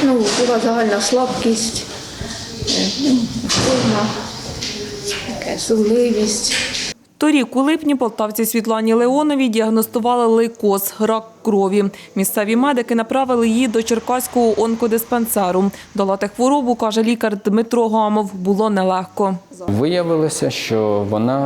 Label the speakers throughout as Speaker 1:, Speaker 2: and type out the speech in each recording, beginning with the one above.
Speaker 1: Була загальна слабкість, втома, сумливість.
Speaker 2: Торік у липні полтавці Світлані Леоновій діагностували лейкоз – рак крові. Місцеві медики направили її до Черкаського онкодиспансеру. Долати хворобу, каже лікар Дмитро Гамов, було нелегко.
Speaker 3: Виявилося, що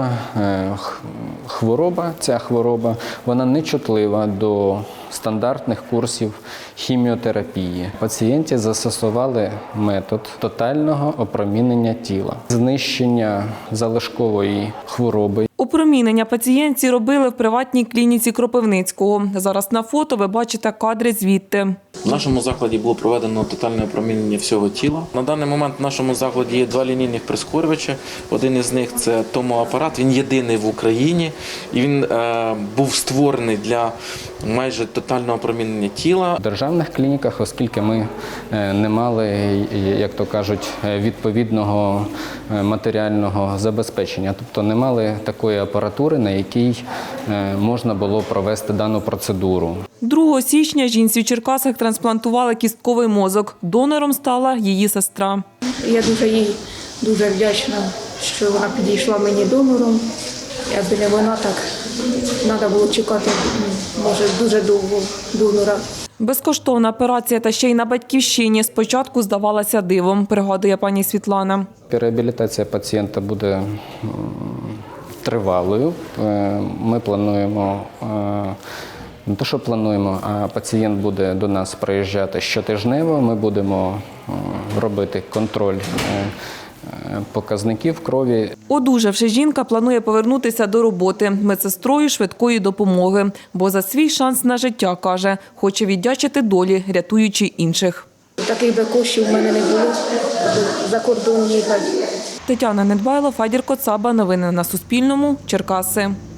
Speaker 3: ця хвороба, вона не чутлива до стандартних курсів хіміотерапії. Пацієнті застосували метод тотального опромінення тіла, знищення залишкової хвороби.
Speaker 2: Опромінення пацієнтці робили в приватній клініці Кропивницького. Зараз на фото ви бачите кадри звідти.
Speaker 4: В нашому закладі було проведено тотальне опромінення всього тіла. На даний момент в нашому закладі є 2 лінійних прискорювачі. Один із них – це томоапарат, він єдиний в Україні. І він був створений для майже тотального опромінення тіла.
Speaker 3: В державних клініках, оскільки ми не мали, як то кажуть, відповідного матеріального забезпечення, тобто не мали такої апаратури, на якій можна було провести дану процедуру.
Speaker 2: 2 січня жінці в Черкасах трансплантували кістковий мозок. Донором стала її сестра.
Speaker 1: Я їй дуже вдячна, що вона підійшла мені донором. Якби не вона, так треба було чекати, може, дуже довго донора.
Speaker 2: Безкоштовна операція та ще й на батьківщині спочатку здавалася дивом, пригадує пані Світлана.
Speaker 3: Реабілітація пацієнта буде тривалою. Ми плануємо, не те, що плануємо, а пацієнт буде до нас приїжджати щотижнево. Ми будемо робити контроль показників крові.
Speaker 2: Одужавши, жінка планує повернутися до роботи медсестрою швидкої допомоги, бо за свій шанс на життя, каже, хоче віддячити долі, рятуючи інших.
Speaker 1: Таких би коштів в мене не було, за кордон їхати.
Speaker 2: Тетяна Недбайло, Федір Коцаба. Новини на Суспільному. Черкаси.